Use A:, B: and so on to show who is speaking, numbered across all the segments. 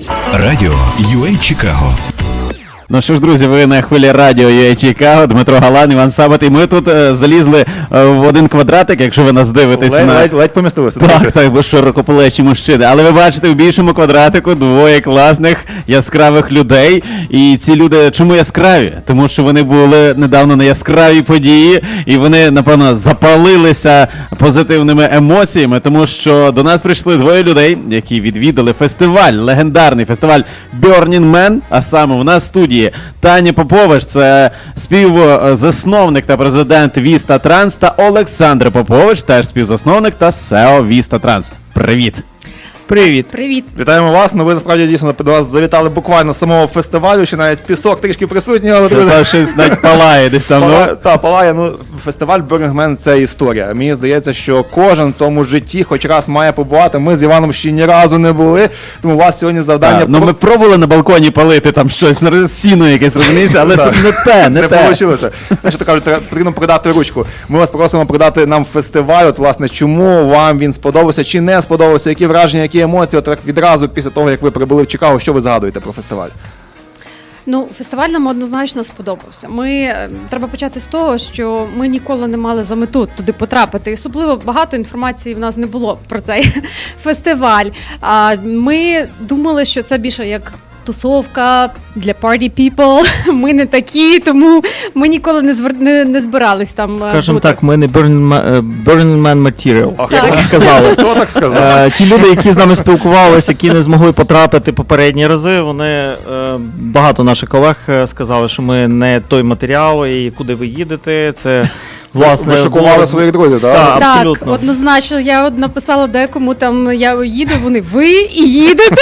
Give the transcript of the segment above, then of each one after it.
A: Радіо UA Чикаго.
B: Ну що ж, друзі, ви на хвилі радіо UA Чикаго, Дмитро Галан, Іван Сабат, і ми тут залізли в один квадратик, якщо ви нас дивитесь.
C: Ледь помістилися.
B: Так, ви широкоплечі мужчини. Але ви бачите в більшому квадратику двоє класних, яскравих людей. І ці люди чому яскраві? Тому що вони були недавно на яскравій події, і вони, напевно, запалилися позитивними емоціями, тому що до нас прийшли двоє людей, які відвідали фестиваль, легендарний фестиваль Burning Man, а саме у нас в студії Таня Попович, це співзасновник та президент Vista Trans, та Олександр Попович, теж співзасновник та SEO Vista Trans. Привіт!
C: Привіт.
D: Привіт.
C: Вітаємо вас. Ну ви насправді дійсно до вас завітали буквально з самого фестивалю, ще навіть пісок трішки присутній, але
B: Це щось навіть палає десь там.
C: Палає. Ну, фестиваль Burning Man – це історія. Мені здається, що кожен в тому житті хоч раз має побувати. Ми з Іваном ще ні разу не були, тому у вас сьогодні завдання...
B: Ну ми пробували на балконі палити там щось, сіно якесь, розумієш, але тут не те.
C: Не вийшло. Знаєш, то кажуть, потрібно продати ручку. Ми вас просимо продати нам фестиваль, от, власне, чому вам він сподобався, чи не сподобався, які враження, які емоції, от так відразу після того, як ви прибули в Чикаго, що ви згадуєте про фестиваль?
D: Ну, фестиваль нам однозначно сподобався. Треба почати з того, що ми ніколи не мали за мету туди потрапити. І особливо багато інформації в нас не було про цей фестиваль. Ми думали, що це більше як тусовка для party people. Ми не такі, тому ми ніколи не збирались там.
E: Скажімо так, ми не Burning Man Material.
C: Так сказали. Хто так сказав?
E: Ті люди, які з нами спілкувалися, які не змогли потрапити попередні рази, вони, багато наших колег сказали, що ми не той матеріал, і куди ви їдете, це... Власне,
C: ви шокували своїх друзів, так?
E: Так, абсолютно.
D: Так, однозначно. Я написала декому, там я їду, вони ви і їдете.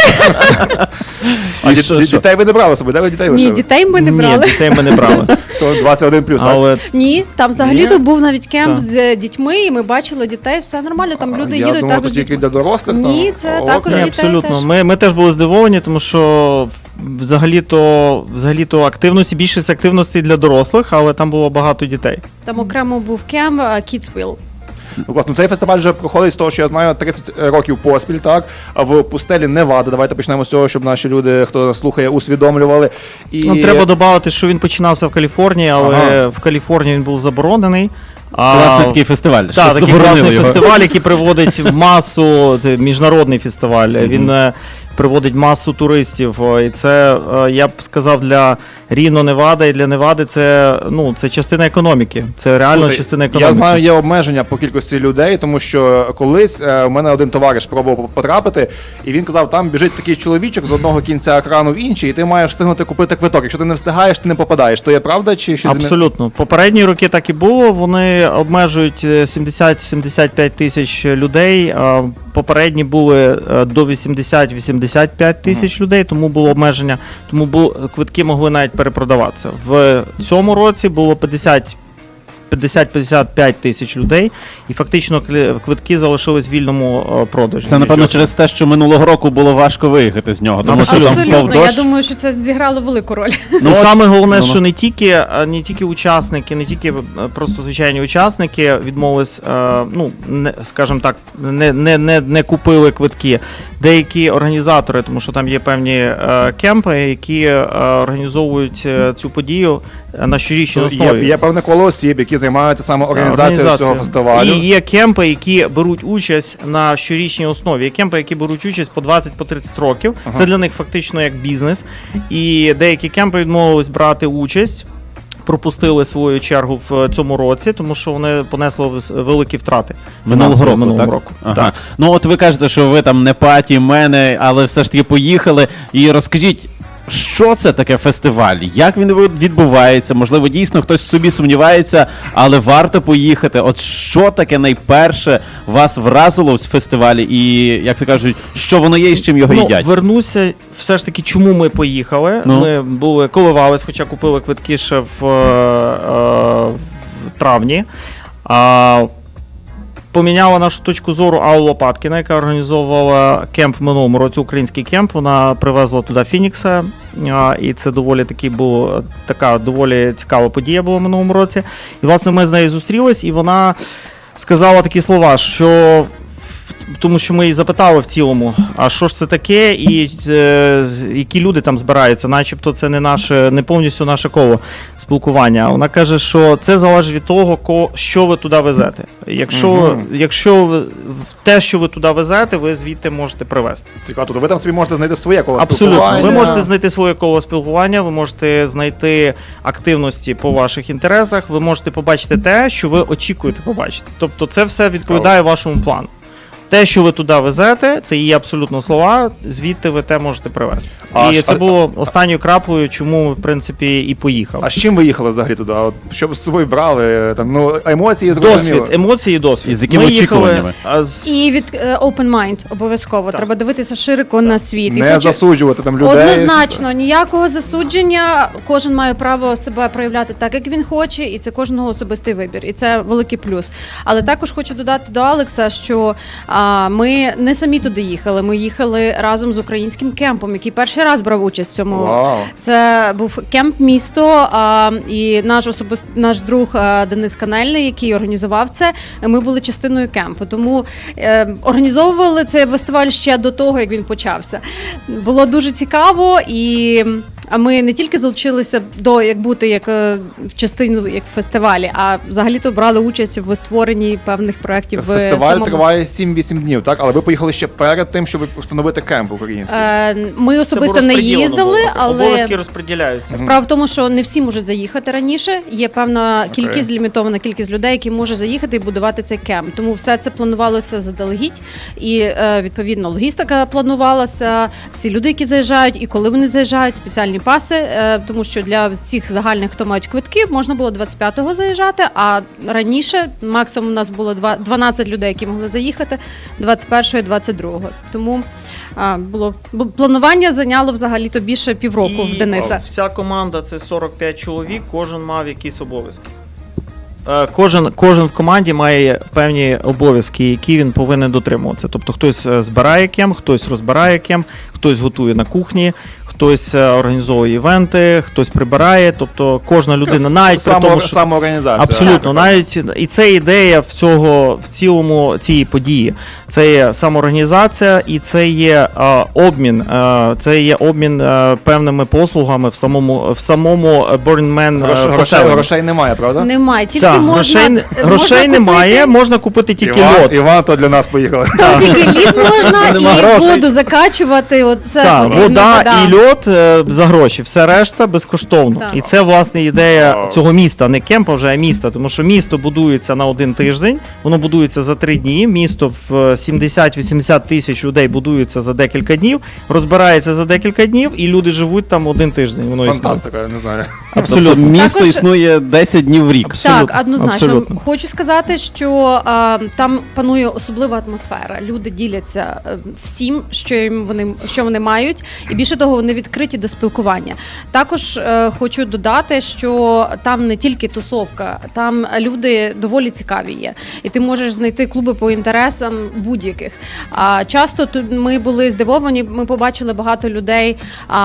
C: А дітей ви не брали собі, де ви дітей
D: Ні,
C: лишили?
D: дітей ми не брали.
E: Ні, дітей ми не брали.
C: То 21+,
E: Але
D: Ні, там взагалі-то був навіть кемп з дітьми, і ми бачили дітей, все нормально, там люди
C: Я
D: їдуть
C: думав,
D: також.
C: то тільки для дорослих.
D: Ні, це також
E: ні,
D: дітей
E: абсолютно.
D: теж.
E: Ми теж були здивовані, тому що взагалі-то більшість активностей для дорослих, але там було багато дітей.
D: Там окремо був кемп Kidsville.
C: Ну, класно, цей фестиваль вже проходить з того, що я знаю, 30 років поспіль, так? А в пустелі Невада. Давайте почнемо з цього, щоб наші люди, хто слухає, усвідомлювали.
E: Ну, треба додати, що він починався в Каліфорнії, але в Каліфорнії він був заборонений.
B: Класний такий фестиваль.
E: Так, такий класний фестиваль, який приводить масу, це міжнародний фестиваль, він приводить масу туристів. І це, я б сказав, для Ріно, Невада і для Невади це частина економіки. Це реально частина економіки.
C: Я знаю, є обмеження по кількості людей, тому що колись у мене один товариш пробував потрапити, і він казав, там біжить такий чоловічок з одного кінця екрану в інший, і ти маєш встигнути купити квиток. Якщо ти не встигаєш, ти не попадаєш. То є правда чи щось?
E: Абсолютно. Попередні роки так і було. Вони обмежують 70-75 тисяч людей. Попередні були до 80-85 тисяч людей, тому було обмеження. Тому квитки могли навіть перепродаватися. В цьому році було 50-55 тисяч людей, і фактично квитки залишились в вільному продажі.
B: Це, напевно, через те, що минулого року було важко виїхати з нього. Тому що
D: Абсолютно, я думаю, що це зіграло велику роль.
E: Ну, саме головне, що не тільки учасники, не тільки просто звичайні учасники відмовились, скажімо так, не купили квитки. Деякі організатори, тому що там є певні кемпи, які організовують цю подію на щорічній основі.
C: Є певне коло осіб, які займаються саме організацією цього фестивалю.
E: І є кемпи, які беруть участь на щорічній основі. Є кемпи, які беруть участь по 20-30 років. Це для них фактично як бізнес. І деякі кемпи відмовились брати участь, пропустили свою чергу в цьому році, тому що вони понесли великі втрати.
B: Минулого року. Ага. Так. Ну от ви кажете, що ви там не паті, мене, але все ж таки поїхали. І розкажіть, що це таке фестиваль? Як він відбувається? Можливо, дійсно хтось собі сумнівається, але варто поїхати. От що таке найперше вас вразило в фестивалі і, як то кажуть, що воно є і з чим його їдять?
E: Вернуся все ж таки, чому ми поїхали. Ми коливались, хоча купили квитки ще в травні. Поміняла нашу точку зору Алла Лопаткіна, яка організовувала кемп в минулому році, український кемп. Вона привезла туди Фінікса, і це доволі доволі цікава подія була в минулому році. І, власне, ми з нею зустрілись, і вона сказала такі слова, що тому що ми її запитали в цілому, а що ж це таке, і які люди там збираються, начебто це не повністю наше коло спілкування. Вона каже, що це залежить від того, що ви туди везете. Якщо те, що ви туди везете, ви звідти можете привезти.
C: Цікаво, тобто ви там собі можете знайти своє коло
E: Абсолютно.
C: спілкування.
E: Ви можете знайти своє коло спілкування, ви можете знайти активності по ваших інтересах, ви можете побачити те, що ви очікуєте побачити. Тобто це все відповідає вашому плану. Те, що ви туди везете, це її абсолютно слова, звідти ви те можете привезти. І це було останньою краплею, чому, в принципі, і поїхав.
C: А з чим ви їхали взагалі туди? От, що ви з собою брали? Там, ну, емоції зрозуміло.
E: Досвід, емоції і досвід.
B: І з якими очікуваннями?
D: І від open mind обов'язково.
E: Так.
D: Треба дивитися широко на світ. І
C: Не засуджувати там людей.
D: Однозначно, ніякого засудження. Кожен має право себе проявляти так, як він хоче, і це кожного особистий вибір. І це великий плюс. Але також хочу додати до Алекса, що ми не самі туди їхали. Ми їхали разом з українським кемпом, який перший раз брав участь в цьому.
C: Вау.
D: Це був кемп місто, і наш друг Денис Канельний, який організував це. Ми були частиною кемпу. Тому організовували цей фестиваль ще до того, як він почався. Було дуже цікаво, і ми не тільки залучилися до як в частину як в фестивалі, а взагалі-то брали участь в створенні певних проєктів.
C: Фестиваль триває 7-8 днів, так? Але ви поїхали ще перед тим, щоб встановити кемп український.
D: Ми особисто не їздили, але
E: обов'язки розподіляються.
D: справа в тому, що не всі можуть заїхати раніше. Є певна кількість, лімітована кількість людей, які можуть заїхати і будувати цей кемп. Тому все це планувалося заздалегідь, і відповідно логістика планувалася. Ці люди, які заїжджають, і коли вони заїжджають, спеціальні паси, тому що для всіх загальних, хто мають квитки, можна було 25-го заїжджати, а раніше максимум у нас було 12 людей, які могли заїхати, 21-го і 22-го. Тому планування зайняло взагалі-то більше півроку в Дениса.
E: Вся команда це 45 чоловік, кожен мав якісь обов'язки. Кожен в команді має певні обов'язки, які він повинен дотримуватися. Тобто хтось збирає кемп, хтось розбирає кемп, хтось готує на кухні, хтось організовує івенти, хтось прибирає. Тобто кожна людина, навіть при тому, що
C: самоорганізація.
E: абсолютно, навіть і це ідея в цілому цієї події. Це є самоорганізація і це є обмін. Це є обмін певними послугами в самому Burning Man поселенні.
C: Грошей немає, правда?
D: Немає, тільки
E: Так,
D: можна
E: грошей немає, можна купити тільки лот.
C: Іван то для нас поїхали.
D: Тільки лід можна
E: Нема
D: і
E: грошей.
D: воду закачувати. Оце
E: Так,
D: потрібна
E: вода і льот за гроші, все решта безкоштовно.
D: Так.
E: І це, власне, ідея
C: Вау.
E: цього міста, не кемпа вже, а міста, тому що місто будується на один тиждень, воно будується за 3 дні, місто в 70-80 тисяч людей будується за декілька днів, розбирається за декілька днів, і люди живуть там 1 тиждень, воно існує.
C: Фантастика, я не знаю.
B: Абсолютно.
E: Абсолютно.
B: Місто
D: Також-
B: існує 10 днів в рік.
D: Так, однозначно.
E: абсолютно.
D: Хочу сказати, що там панує особлива атмосфера. Люди діляться всім, що вони мають, і більше того, вони відкриті до спілкування. Також хочу додати, що там не тільки тусовка, там люди доволі цікаві є. І ти можеш знайти клуби по інтересам будь-яких. Часто тут ми були здивовані, ми побачили багато людей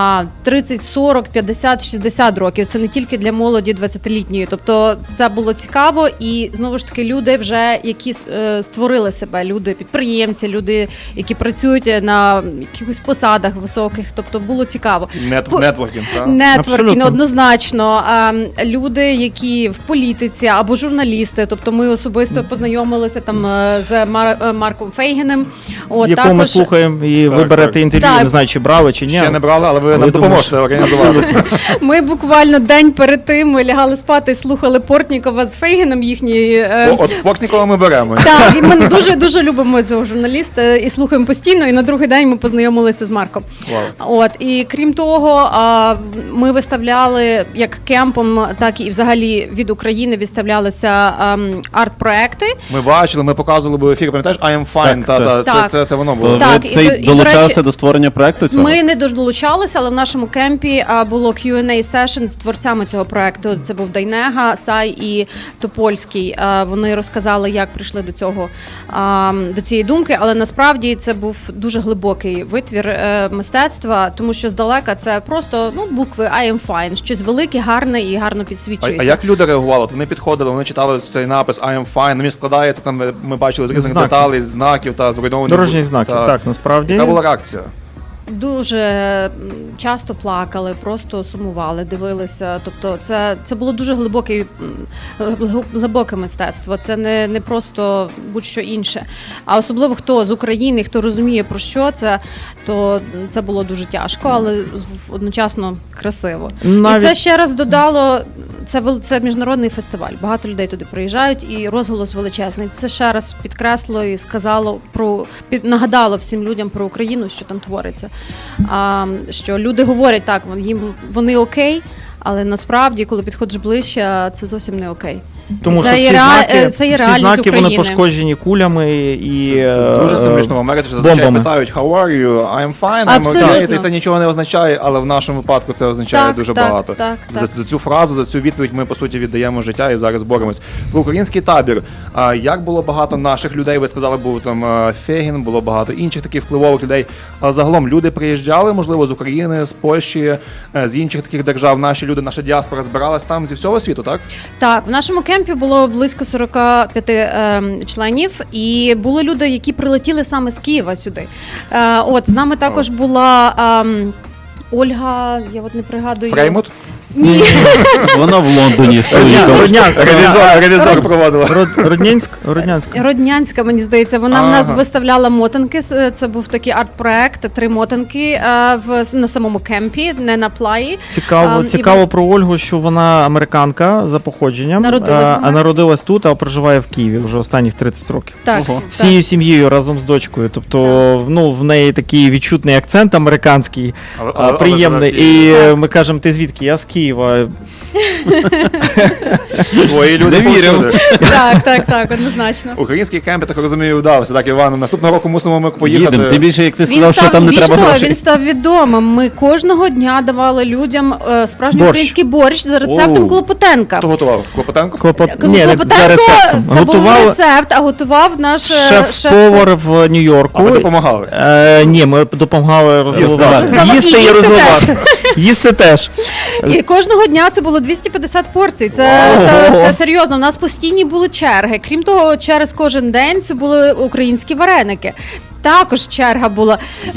D: 30, 40, 50, 60 років. Це не тільки для молоді 20-літньої. Тобто це було цікаво, і знову ж таки люди вже, які створили себе, люди-підприємці, люди, які працюють на якихось посадах високих. Тобто було цікаво.
C: Нетворкінг, так?
D: Нетворкінг,
E: Абсолютно.
D: однозначно. Люди, які в політиці або журналісти, тобто ми особисто познайомилися там з Марком Фейгіним.
E: Якого ми слухаємо, і ви
C: Так,
E: берете
C: так.
E: інтерв'ю,
D: Так.
E: не знаю, чи брали, чи ні.
C: Ще не брали, але ви
E: Але
C: нам
E: думаю,
C: допоможете організувати.
D: Ми буквально день перед тим ми лягали спати і слухали Портнікова з Фейгіном їхній.
C: От Портнікова ми беремо.
D: Так, і ми дуже любимо цього журналіста і слухаємо постійно. І на другий день ми познайомилися з Марком.
C: Вау.
D: От і крім того, ми виставляли як кемпом, так і взагалі від України відставлялися арт-проекти.
C: Ми бачили, ми показували в ефірі, пам'ятаєш, I am fine,
D: Так.
C: це воно
B: То
C: було.
D: Так,
B: ви
D: і
B: цей
D: до
B: долучався
D: речі,
B: до створення проекту цього?
D: Ми не долучалися, але в нашому кемпі було Q&A session з творцями цього проекту. Це був Дайнега, Сай і Топольський. Вони розказали, як прийшли до цієї думки, але насправді це був дуже глибокий витвір мистецтва, тому що здалека це просто букви I am fine, щось велике, гарне і гарно підсвічується.
C: А як люди реагували? Вони підходили, вони читали цей напис I am fine, він складається, там ми бачили з різних
E: Знаків.
C: деталей, знаків та зруйнованих.
E: Дорожніх знаків, так, насправді.
C: Яка була реакція?
D: Дуже часто плакали, просто сумували, дивилися. Тобто це було дуже глибоке мистецтво. Це не просто будь-що інше. А особливо хто з України, хто розуміє про що це, то це було дуже тяжко, але одночасно красиво. І це ще раз додало, це міжнародний фестиваль. Багато людей туди приїжджають, і розголос величезний. Це ще раз підкреслило і сказало нагадало всім людям про Україну, що там твориться. Що люди говорять так, вони окей, але насправді, коли підходиш ближче, це зовсім не окей.
E: Тому
D: це
E: що
D: це є
E: всі
D: реальність
E: знаки
D: України.
E: вони пошкоджені кулями і
C: Дуже символічно. В Америці зазвичай
E: бомбами.
C: питають how are you? I'm fine, I'm
D: Абсолютно.
C: okay. І це нічого не означає, але в нашому випадку це означає
D: Так,
C: дуже
D: так,
C: багато.
D: так.
C: За цю фразу, за цю відповідь ми, по суті, віддаємо життя і зараз боремось. Про український табір. Як було багато наших людей, ви сказали, був там Фегін, було багато інших таких впливових людей. Але загалом люди приїжджали, можливо, з України, з Польщі, з інших таких держав. Наші люди, наша діаспора збиралась там зі всього світу, так?
D: Так, в нашому кемпі було близько 45 членів, і були люди, які прилетіли саме з Києва сюди. З нами також була Ольга, я не пригадую.
C: Фреймут?
D: Ні.
B: Вона в Лондоні з чоловіком.
C: Ревізор проводила.
D: Роднянська, мені здається, вона в нас виставляла мотанки. Це був такий арт-проект, 3 мотанки на самому кемпі, не на плаї.
E: Цікаво про Ольгу, що вона американка за походженням, а народилась тут, а проживає в Києві вже останніх 30 років.
D: Так,
E: Всією сім'єю разом з дочкою. Тобто, в неї такий відчутний акцент американський, приємний. І ми кажемо, ти звідки? Я з Києва.
C: Свої люди повсюди.
D: Так, однозначно.
C: Український кемп, я так розумію, вдався. Так, Іван, наступного року мусимо ми поїхати.
B: Їдемо. Тим більше, як ти сказав, що там не треба грошей.
D: Він став відомим. Ми кожного дня давали людям справжній український борщ за рецептом Клопотенка.
C: Хто готував? Клопотенко?
D: Клопотенко це був рецепт, а готував наш
E: шеф-повар в Нью-Йорку.
C: А ви допомагали?
E: Ні, ми допомагали розливати. Їсти і
D: їсти
E: розливати. Їсти теж.
D: І кожного дня це було 250 порцій. Це серйозно. У нас постійні були черги. Крім того, через кожен день це були українські вареники. Також черга була.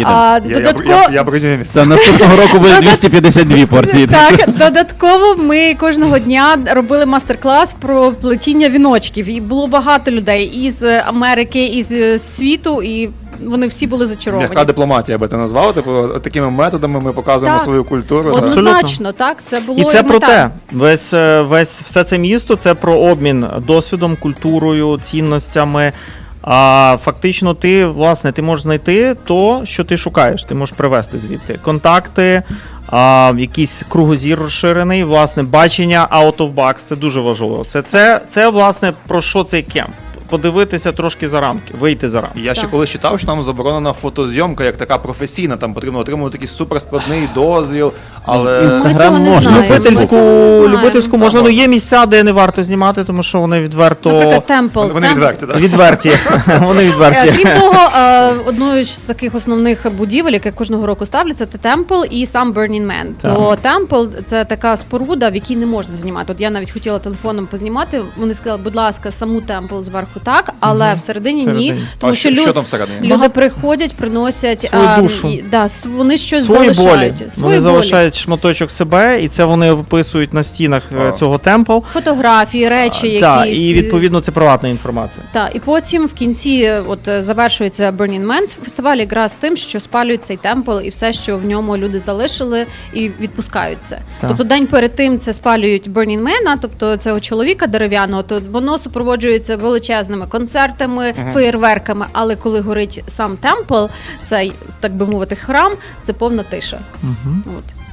C: Я бронюю місце.
B: Це наступного року буде 252 порції.
D: Так, додатково ми кожного дня робили мастер-клас про плетіння віночків. І було багато людей із Америки, із світу, і вони всі були зачаровані.
C: Яка дипломатія би ти назвав? Типу, такими методами ми показуємо свою культуру.
D: Однозначно, так. Це було
E: і це про
D: мета.
E: те. Все це місто це про обмін досвідом, культурою, цінностями. А фактично ти можеш знайти то, що ти шукаєш. Ти можеш привезти звідти контакти, якийсь кругозір розширений, власне, бачення out of box. Це дуже важливо. Це власне, про що цей кемп. Подивитися трошки за рамки, вийти за рамки.
C: Я ще колись читав, що там заборонена фотозйомка, як така професійна, там потрібно отримувати такий суперскладний дозвіл, але...
B: Інстаграм
D: не
B: можна.
D: знаємо.
E: Любительську можна, але є місця, де не варто знімати, тому що вони відверто...
D: Наприклад, Темпл.
C: Вони відверті, так?
E: Відверті. Вони відверті.
D: Крім того, одною з таких основних будівель, яке кожного року ставляться, це Темпл і сам Burning Man. То Темпл – це така споруда, в якій не можна знімати. От я навіть хотіла телефоном познімати, вони сказали, будь ласка, саму Темпл зверху так, але всередині ні. Тому що
C: що там всередині?
D: люди приходять, приносять
E: свою душу.
D: Вони щось
E: Свої
D: залишають.
E: болі. Вони залишають шматочок себе, і це вони виписують на стінах цього темпл.
D: Фотографії, речі,
E: Так,
D: якісь.
E: і відповідно це приватна інформація.
D: Так, і потім в кінці завершується Burning Man. Фестиваль якраз з тим, що спалюють цей темпл і все, що в ньому люди залишили, і відпускаються.
E: Так.
D: Тобто день перед тим це спалюють Burning Man, тобто цього чоловіка дерев'яного, то воно супроводжується величезними концертами, феєрверками, але коли горить сам темпл, цей, так би мовити, храм, це повна тиша. От.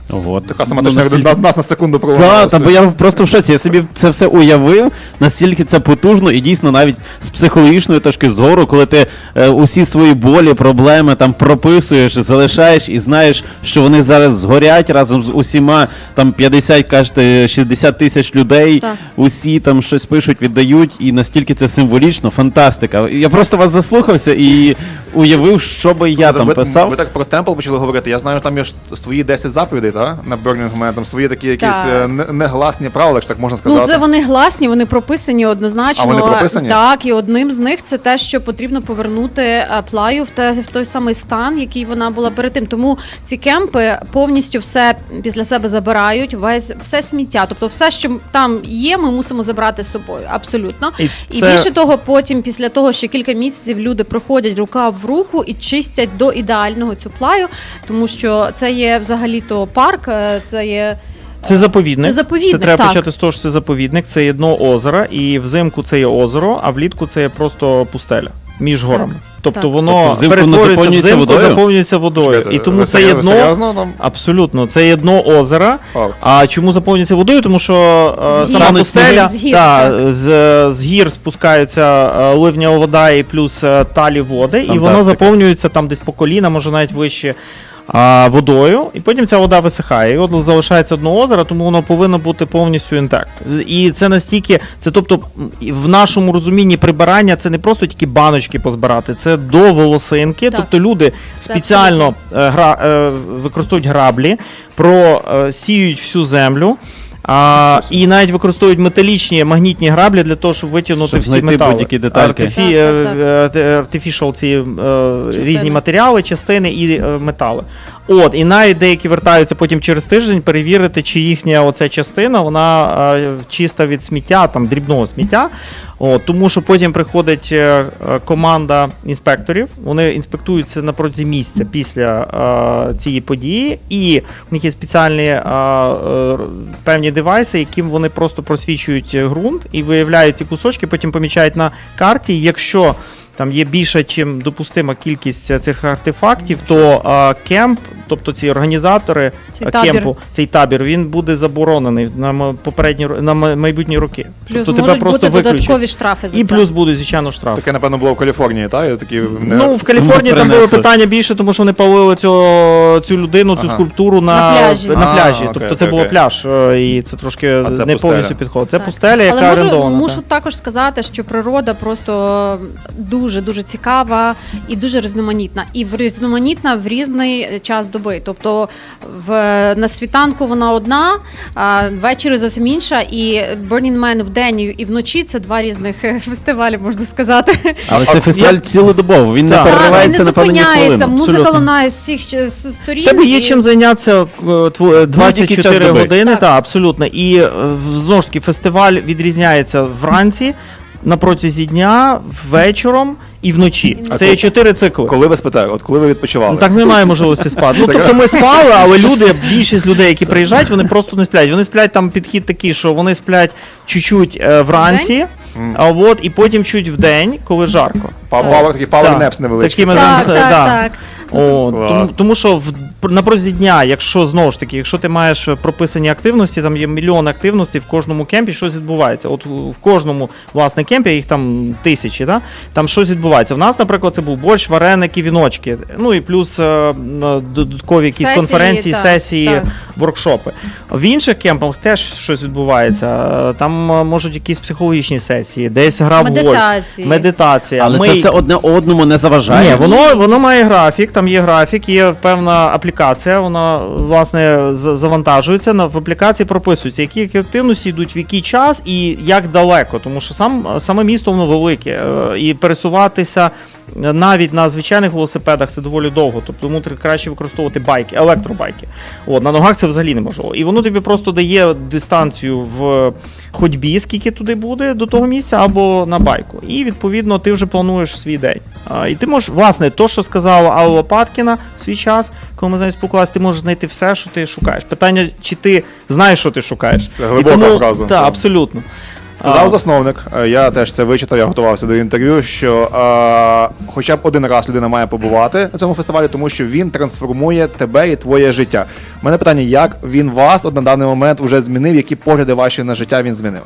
B: От.
C: Така сама
B: Ну,
C: як нас на секунду
B: Так,
C: проводила.
B: та, бо я просто в шоці. Я собі це все уявив, наскільки це потужно, і дійсно навіть з психологічної точки зору, коли ти усі свої болі, проблеми там прописуєш, залишаєш і знаєш, що вони зараз згорять разом з усіма там 50, кажете, 60 тисяч людей,
D: Так.
B: усі там щось пишуть, віддають, і настільки це символічно, фантастика. Я просто вас заслухався і уявив, що би я там писав.
C: Ви так про темпл почали говорити. Я знаю, що там є ж свої 10 заповідей, так? На Burning Man, там свої такі якісь
D: Так.
C: негласні правила, якщо так можна сказати.
D: Ну, це вони гласні, вони прописані однозначно.
C: А вони прописані?
D: Так, і одним з них це те, що потрібно повернути плаю в той самий стан, який вона була перед тим. Тому ці кемпи повністю все після себе забирають, все сміття. Тобто все, що там є, ми мусимо забрати з собою. Абсолютно. І більше того, потім, після того, що кілька місяців люди проходять рука в руку і чистять до ідеального цю плаю, тому що це є взагалі-то парк, це є...
E: Це заповідник.
D: Це заповідник,
E: Це треба
D: так.
E: почати з того, що це заповідник, це є дно озера, і взимку це є озеро, а влітку це є просто пустеля між горами. Тобто
D: Так.
E: воно
B: Тобто взимку
E: перетворюється
B: заповнюється
E: взимку,
B: водою?
E: заповнюється водою.
C: Чекайте,
E: І тому
C: ви
E: це є дно.
C: серйозно там?
E: Абсолютно, це є дно озера.
C: Факт.
E: А чому заповнюється водою? Тому що
D: З
E: сама
D: гір.
E: пустеля
D: З гір,
E: з гір спускається ливнева вода і плюс талі води, і воно
B: Фантастика.
E: заповнюється там десь по коліна, може навіть вище. Водою, і потім ця вода висихає. І от залишається одне озеро, тому воно повинно бути повністю інтакт. І це настільки, це тобто в нашому розумінні прибирання це не просто тільки баночки позбирати, це до волосинки.
D: Так.
E: Тобто люди
D: Це
E: спеціально використовують граблі, просіють всю землю. І навіть використовують металічні магнітні граблі для того, щоб витягнути
B: Щоб
E: всі
B: знайти
E: метали.
B: будь-які детальки.
E: Artificial ці різні матеріали, частини і метали. От, і навіть деякі вертаються потім через тиждень перевірити, чи їхня оця частина, вона чиста від сміття, там дрібного сміття. От, тому що потім приходить команда інспекторів, вони інспектуються на протязі місяця після цієї події, і в них є спеціальні певні девайси, яким вони просто просвічують ґрунт і виявляють ці кусочки, потім помічають на карті. Якщо там є більша, чим допустима кількість цих артефактів, то кемп, тобто ці організатори кемпу, цей табір, він буде заборонений на майбутні роки.
D: Плюс
E: тобто
D: можуть
E: тебе
D: бути
E: просто виключать.
D: додаткові штрафи за
E: І
D: це.
E: плюс будуть, звичайно, штрафи.
C: Таке, напевно, було в Каліфорнії, так? Такі,
E: Ну, в Каліфорнії там було питання більше, тому що вони палили цю людину, цю скульптуру
D: На пляжі.
E: на пляжі.
C: Окей,
E: Тобто це
C: окей,
E: було
C: окей.
E: пляж, і це трошки
C: А це
E: не
C: пустеля.
E: повністю підходить. Це
D: Так.
E: пустеля, яка
D: Але
E: орендована.
D: мушу також сказати, що природа просто дуже цікава і дуже різноманітна. І різноманітна в різний час доби. Тобто на світанку вона одна, а ввечері зовсім інша. І Burning Man вдень і вночі це два різних фестивалі, можна сказати.
B: Але це фестиваль цілодобово, він не
E: Так.
D: Так, він
B: переривається
D: не
B: на певні
D: зупиняється,
B: хвилини.
D: музика
E: Абсолютно.
D: лунає з всіх сторін.
E: В тебе є
D: і-
E: чим зайнятися
B: Будь-який час
E: 24
B: доби.
E: години,
D: Так.
E: так, абсолютно. І знову ж таки фестиваль відрізняється вранці, на протязі дня, вечором і вночі. Це є 4 цикли.
C: Коли ви спитаю, коли ви відпочивали?
E: Ну, так немає можливості спати. Ну, тобто ми спали, але люди, більшість людей, які приїжджають, вони просто не сплять. Вони сплять, там підхід такий, що вони сплять чуть-чуть вранці, і потім чуть вдень, коли жарко.
C: Такий power
E: Так.
C: naps невеличкий.
E: Такими
D: Так,
E: там,
D: так,
E: да.
D: так.
C: Клас.
E: Тому що на протязі дня, якщо знову ж таки, якщо ти маєш прописані активності, там є мільйон активностей в кожному кемпі, щось відбувається. От в кожному власне кемпі, їх там тисячі, да? Там щось відбувається. В нас, наприклад, це був борщ, вареники, віночки. Ну і плюс додаткові якісь
D: Сесії,
E: конференції,
D: так,
E: сесії,
D: так.
E: воркшопи. В інших кемпах теж щось відбувається. Там можуть якісь психологічні сесії, десь гра в гольф,
D: Медитації.
E: медитація.
B: Але це все одне одному не заважає.
E: Ні, воно має графік, там є графік, є певна аплікація, вона, власне, завантажується, в аплікації прописується, які активності йдуть в який час і як далеко, тому що саме місто воно велике, і пересуватися навіть на звичайних велосипедах це доволі довго, тобто тому краще використовувати байки, електробайки. На ногах це взагалі неможливо. І воно тобі просто дає дистанцію в ходьбі, скільки туди буде до того місця, або на байку. І, відповідно, ти вже плануєш свій день. І ти можеш, власне, то, що сказала Алла Лопаткіна в свій час, коли ми з нею спілкувалися, ти можеш знайти все, що ти шукаєш. Питання, чи ти знаєш, що ти шукаєш.
C: Це глибока фраза.
E: Так, абсолютно.
C: Сказав засновник, я теж це вичитав, я готувався до інтерв'ю, що хоча б один раз людина має побувати на цьому фестивалі, тому що він трансформує тебе і твоє життя. У мене питання, як він вас от на даний момент вже змінив, які погляди ваші на життя він змінив?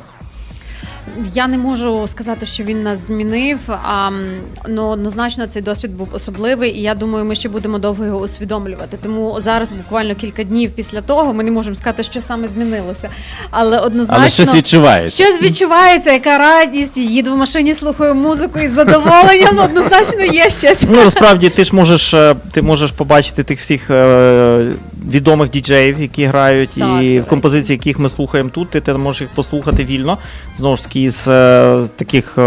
D: Я не можу сказати, що він нас змінив, ну однозначно цей досвід був особливий, і я думаю, ми ще будемо довго його усвідомлювати. Тому зараз, буквально кілька днів після того, ми не можемо сказати, що саме змінилося. Але однозначно
B: Але щось відчувається.
D: Щось відчувається, яка радість, їду в машині, слухаю музику із задоволенням, однозначно є щось.
E: Ну, насправді, ти можеш побачити тих всіх відомих діджеїв, які грають,
D: Так,
E: і
D: так.
E: композиції, яких ми слухаємо тут, ти можеш їх послухати вільно. Знову ж таки, з таких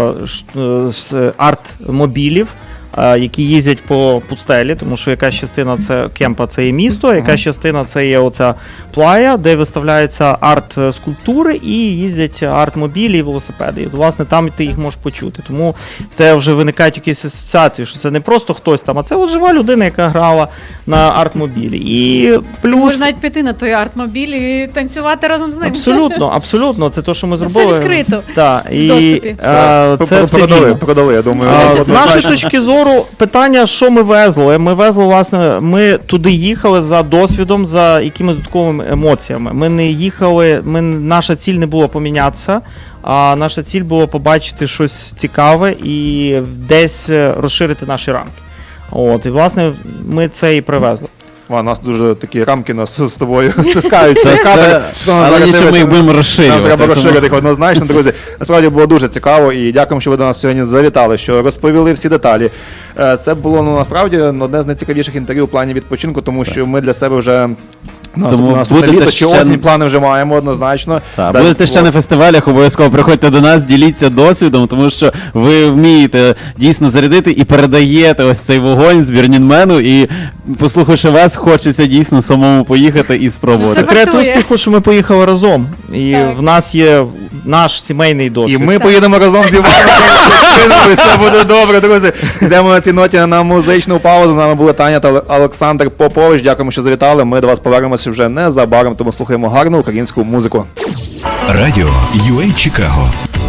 E: з арт-мобілів, які їздять по пустелі, тому що якась частина це кемпа, це є місто, якась частина це є оця плая, де виставляються арт-скульптури і їздять арт-мобілі і велосипеди. І, власне, там ти їх можеш почути. Тому в тебе вже виникають якісь асоціації, що це не просто хтось там, а це от жива людина, яка грала на арт-мобілі. І плюс...
D: Можна навіть піти на той арт-мобіль і танцювати разом з ним.
E: Абсолютно. Це те, що ми
D: Це
E: зробили.
D: відкрито.
E: Так,
D: В доступі.
E: це все вільно.
C: Продали, я думаю.
E: З нашої точки зору, питання, що ми везли. Ми везли, власне, ми туди їхали за досвідом, за якимись додатковими емоціями. Ми не їхали, наша ціль не була помінятися, а наша ціль була побачити щось цікаве і десь розширити наші рамки. От, і, власне, ми це і привезли.
C: У нас дуже такі рамки нас з тобою стискаються.
B: Але нічого, ми їх будемо розширювати.
C: Нам треба
B: тому-
C: розширити їх однозначно, друзі. Насправді було дуже цікаво і дякуємо, що ви до нас сьогодні завітали, що розповіли всі деталі. Це було насправді одне з найцікавіших інтерв'ю в плані відпочинку, тому що ми для себе вже
B: Тому
C: наступне
B: будете
C: літо чи
B: ще-
C: осінь плани вже маємо однозначно.
B: Так,
C: Далі
B: будете ще
C: було-
B: на фестивалях, обов'язково приходьте до нас, діліться досвідом, тому що ви вмієте дійсно зарядити і передаєте ось цей вогонь з Бірнінмену, і послухавши вас, хочеться дійсно самому поїхати і спробувати.
D: Супер.
E: Секрет успіху, що ми поїхали разом. І
D: Так.
E: в нас є наш сімейний
C: І
E: досвід.
C: ми поїдемо разом з Іваном. Все буде добре, друзі. Йдемо на цій ноті на музичну паузу. З нами були Таня та Олександр Попович. Дякуємо, що завітали. Ми до вас повернемося вже незабаром, тому слухаємо гарну українську музику.
A: Радіо UA Чикаго.